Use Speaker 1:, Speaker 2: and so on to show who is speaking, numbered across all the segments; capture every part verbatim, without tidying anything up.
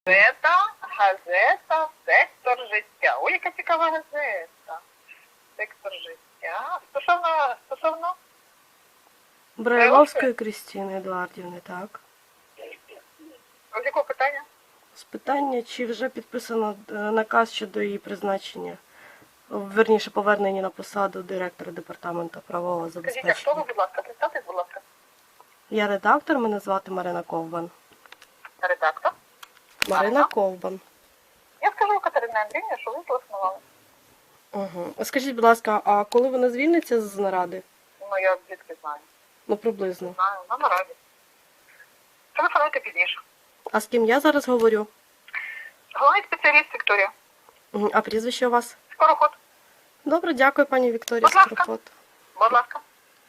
Speaker 1: Газета, газета, сектор життя. Ой, яка цікава газета. Сектор життя. Стосовно, стосовно?
Speaker 2: Брайловської Крістіни Едуардівни, так.
Speaker 1: З якого питання?
Speaker 2: З питання, чи вже підписано е, наказ щодо її призначення, верніше повернення на посаду директора департаменту правового
Speaker 1: Скажіть, а хто
Speaker 2: забезпечення.
Speaker 1: ви, будь ласка, представтесь, будь ласка.
Speaker 2: Я редактор, мене звати Марина Ковбан.
Speaker 1: Редактор.
Speaker 2: Марина Ковбан.
Speaker 1: Я скажу Катерина Андріївна, що ви телефонували.
Speaker 2: Угу. Скажіть, будь ласка, а коли вона звільниться з наради?
Speaker 1: Ну, я звідки знаю.
Speaker 2: Ну, приблизно.
Speaker 1: Знаю, на нараді. Телефонуйте пізніше.
Speaker 2: А з ким я зараз говорю?
Speaker 1: Головний спеціаліст Вікторія.
Speaker 2: Угу. А прізвище у вас?
Speaker 1: Скороход.
Speaker 2: Добре, дякую, пані Вікторія
Speaker 1: Будь ласка.
Speaker 2: Скороход.
Speaker 1: Будь ласка.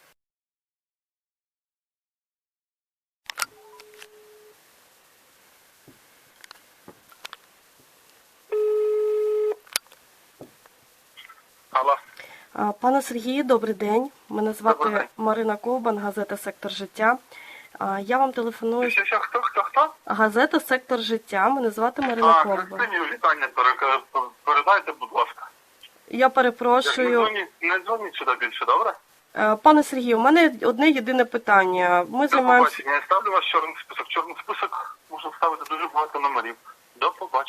Speaker 1: Алло.
Speaker 2: А, Пане Сергію, добрий день. Мене
Speaker 1: Добрий
Speaker 2: звати
Speaker 1: день.
Speaker 2: Марина Ковбан, газета «Сектор життя». А, Я вам телефоную.
Speaker 1: Що, що, хто, хто, хто?
Speaker 2: Газета «Сектор життя». Мене звати Марина
Speaker 1: А,
Speaker 2: Ковбан.
Speaker 1: Христині вітання перека- передайте, будь ласка.
Speaker 2: Я
Speaker 1: Не
Speaker 2: перепрошую.
Speaker 1: дзвоніть, не дзвоніть сюди більше, добре?
Speaker 2: Е, Пане Сергію, у мене одне єдине питання. Ми
Speaker 1: До
Speaker 2: займаємося...
Speaker 1: побачення. Я ставлю вас в чорний список. В чорний список можна ставити дуже багато номерів. До побачення.